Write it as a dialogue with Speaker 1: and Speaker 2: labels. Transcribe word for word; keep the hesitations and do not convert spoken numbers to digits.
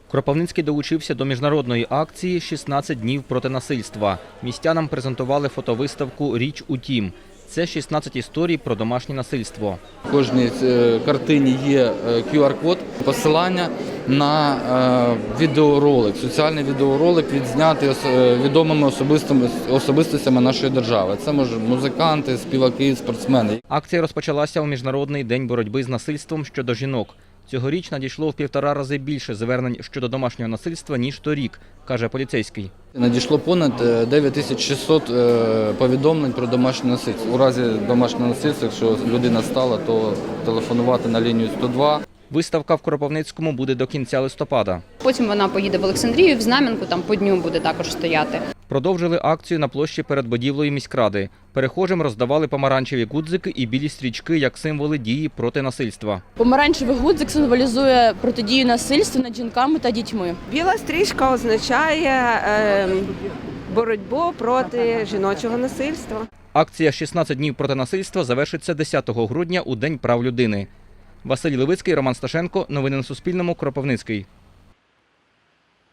Speaker 1: Кропивницький долучився до міжнародної акції «шістнадцять днів проти насильства». Містянам презентували фотовиставку «Річ у тім». Це шістнадцять історій про домашнє насильство.
Speaker 2: В кожній картині є кю ар-код, посилання на відеоролик, соціальний відеоролик, відзнятий відомими особистостями нашої держави. Це може музиканти, співаки, спортсмени.
Speaker 1: Акція розпочалася у Міжнародний день боротьби з насильством щодо жінок. Цьогоріч надійшло в півтора рази більше звернень щодо домашнього насильства, ніж торік, каже поліцейський.
Speaker 2: Надійшло понад дев'ять тисяч шістсот повідомлень про домашнє насильство. У разі домашнього насильства, якщо людина стала, то телефонувати на лінію сто два.
Speaker 1: Виставка в Кропивницькому буде до кінця листопада.
Speaker 3: Потім вона поїде в Олександрію, в Знам'янку, там по дню буде також стояти.
Speaker 1: Продовжили акцію на площі перед будівлею міськради. Перехожим роздавали помаранчеві гудзики і білі стрічки як символи дії проти насильства.
Speaker 4: Помаранчевий гудзик символізує протидію насильству над жінками та дітьми.
Speaker 5: Біла стрічка означає е, боротьбу проти жіночого насильства.
Speaker 1: Акція «шістнадцять днів проти насильства» завершиться десятого грудня у День прав людини. Василь Левицький, Роман Сташенко. Новини на Суспільному. Кропивницький.